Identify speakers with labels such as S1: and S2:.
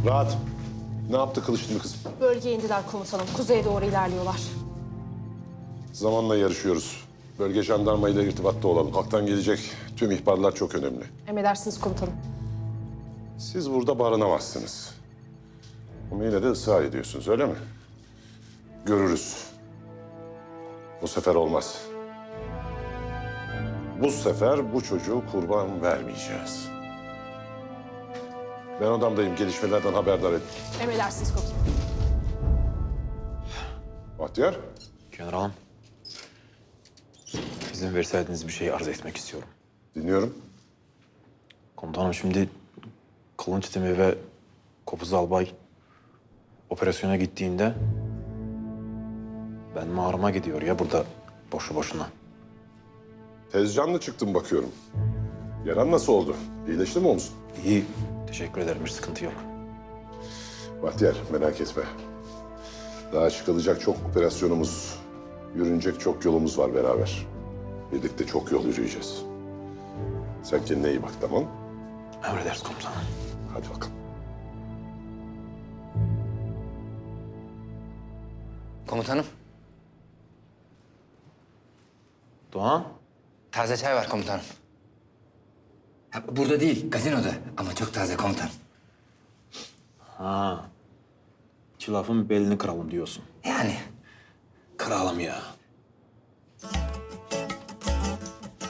S1: Rahat. Ne yaptı Kılıçlı kızım?
S2: Bölgeye indiler komutanım. Kuzeye doğru ilerliyorlar.
S1: Zamanla yarışıyoruz. Bölge jandarmayla irtibatta olalım. Halktan gelecek tüm ihbarlar çok önemli.
S2: Emredersiniz komutanım.
S1: Siz burada barınamazsınız. Ama yine de ısrar ediyorsunuz, öyle mi? Görürüz. Bu sefer olmaz. Bu sefer bu çocuğu kurban vermeyeceğiz. Ben odamdayım. Gelişmelerden haberdar et.
S2: Emredersiniz komutanım.
S1: Bahtiyar.
S3: Generalım. İzin verseydiniz bir şey arz etmek istiyorum.
S1: Dinliyorum.
S3: Komutanım şimdi Kılınç Timi ve Kopuz Albay operasyona gittiğinde ben mağarama gidiyor ya burada boşu boşuna.
S1: Tezcanlı çıktım bakıyorum. Yaran nasıl oldu? İyileşti mi omzun?
S3: İyi. Teşekkür ederim. Bir sıkıntı yok.
S1: Bahtiyar merak etme. Daha çıkılacak çok operasyonumuz, yürünecek çok yolumuz var beraber. Birlikte çok yol yürüyeceğiz. Sen kendine iyi bak, tamam mı?
S3: Emredersiniz komutanım.
S1: Hadi bakalım.
S4: Komutanım,
S3: Doğan.
S4: taze çay var komutanım. Ha, burada değil, gazinoda ama çok taze komutanım.
S3: Ha. İki lafın belini kıralım diyorsun.
S4: Yani
S3: Kıralım ya.